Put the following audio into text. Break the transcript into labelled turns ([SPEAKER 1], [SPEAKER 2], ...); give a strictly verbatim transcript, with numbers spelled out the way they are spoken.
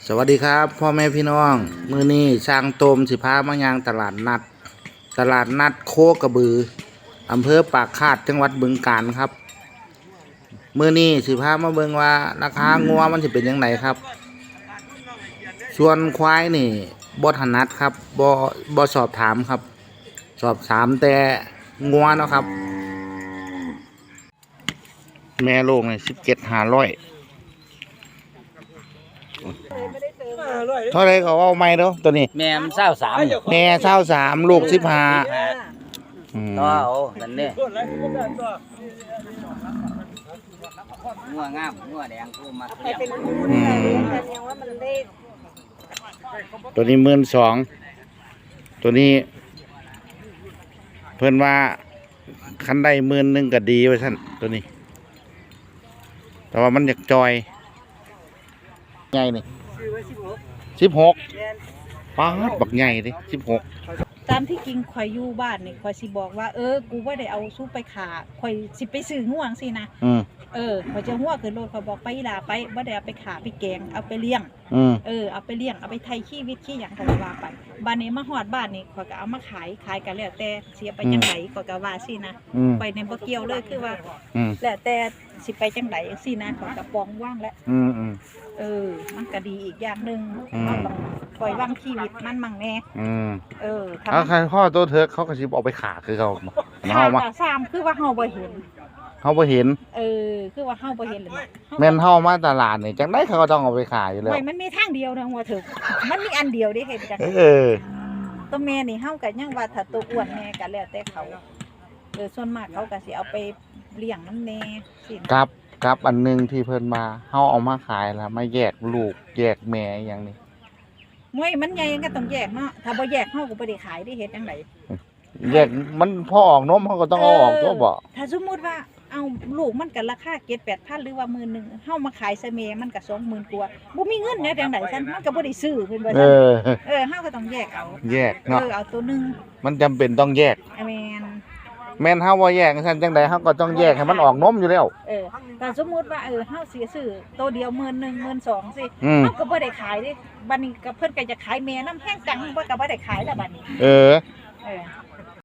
[SPEAKER 1] สวัสดีครับพ่อแม่พี่น้องมื้อนี้ช่างโตมสิพามายางตลาดนัดตลาดนัดโคกระบืออำเภอปากคาดจังหวัดบึงกาฬครับมื้อนี้สิพามาเบิ่งว่าราคางัวมันสิเป็นยังไงครับส่วนควายนี่บ่ถนัดครับบ่บ่สอบถามครับสอบถามแต่งัวเนาะครับแม่โลกนี่สิบเจ็ดห้าร้อยเท่าไรก็เอาไม่เด้อตัวนี้
[SPEAKER 2] แม่มันเศร้าสาม
[SPEAKER 1] แม่เศร้าสามลูกสิบห้า
[SPEAKER 2] ต่อเอานั่นเนี่ยงัวงามงัวแดงกูมาเลี้ยง
[SPEAKER 1] ตัวนี้หมื่นสองตัวนี้เพื่อนว่าคันได้หมื่นหนึ่งก็ดีไว้ท่านตัวนี้แต่ว่ามันอยากจอยใหญ่นี่สิบหกป้าดบักใหญ่ดิสิบหก
[SPEAKER 3] ตามที่กิงข่อยอยู่บ้านนี่ข่อยสิบอกว่าเออกูว่าได้เอาสู้ไปขาข่อยสิไปซื้อง่วงสินะเออข่อยจะหัวขึ้นรถข่อยบอกไปลาไปบ่ได้เอาไปขาไปแกงเอาไปเลี้ยงเออเอาไปเลี้ยงเอาไปไทยขี้วิตขี้หยังข่อยว่าไปบ้านนี้มาฮอดบ้านนี่ข่อยก็เอามาขายขายกันแล้วแต่เสียไปจังไดข่อยก็ว่าสินะไปในบ่เกี่ยวเลยคือว่าแล้วแต่สิไปจังไดจังซี่นะข่อยก็ปองว่างแล้วเออมันก็ดีอีกอย่างนึงปล่อยวางชีวิตมันมั่งแน่เออ
[SPEAKER 1] ถ้าใครพ่อตัวเธอเขาก็สิเอาไปขาคือเขา
[SPEAKER 3] เฮามาซ้ำคือว่าเฮาบ่เห็น
[SPEAKER 1] เฮาบ่เห็น
[SPEAKER 3] เออคือว่าเฮาบ่เห็นเลย
[SPEAKER 1] แม่นเฮามาตลาดนี่จังได๋เขาก็ต้องเอาไปขายอยู่แล้ว
[SPEAKER 3] มันมีทางเดียวนะว่าถึกมันมีอันเดียวเด้เฮ็ดจัง
[SPEAKER 1] เออ
[SPEAKER 3] ตัวแม่นี่เฮาก็ยังว่าถ้าตัวอ้วนแม่ก็แล้วแต่เขาเออส่วนมากเขาก็สิเอาไปเลี้ยงนำแน่สิ
[SPEAKER 1] ครับครับอันนึงที่เพิ่นมาเฮาเอามาขายแล้วมาแยกลูกแยกแม่อย่างนี้
[SPEAKER 3] มวยมันใหญ่ก็ต้องแยกเนาะถ้าบ่แยกเฮาก็บ่ได้ขายได้เฮ็ดจังได๋
[SPEAKER 1] แยกมันพอออกนมเฮาก็ต้องเอาออกตัวบ่
[SPEAKER 3] ถ้าสมมุติว่าเอาลูกมันก็ราคา เจ็ดแปดพัน หรือว่า หมื่นหนึ่ง เฮามาขายใส่แม่มันก็ สองหมื่น กว่าบ่มีเงินแนวจังได๋ซั่นมันก็บ่ได้ซื้อเพิ่นว่าซั่นเออเออเฮาก็ต้องแยกเอา
[SPEAKER 1] แยกเนาะ
[SPEAKER 3] เออเอาตัวนึง
[SPEAKER 1] มันจำเป็นต้องแยก
[SPEAKER 3] แม่น
[SPEAKER 1] แม่นเฮาบ่แยกซั่นจังได๋เฮาก็ต้องแยกให้มันออกนมอยู่แล้ว
[SPEAKER 3] เออถ้าสมมุติว่าเออเฮาสิซื้อตัวเดียว หมื่นหนึ่ง หมื่นสอง สิเฮาก็บ่ได้ขายเด้บัดนี้ก็เพิ่นก็จะขายแม่นำแห้งจังเพิ่นก็บ่ได้ขายแล้วบัดนี้
[SPEAKER 1] เออ
[SPEAKER 3] เออ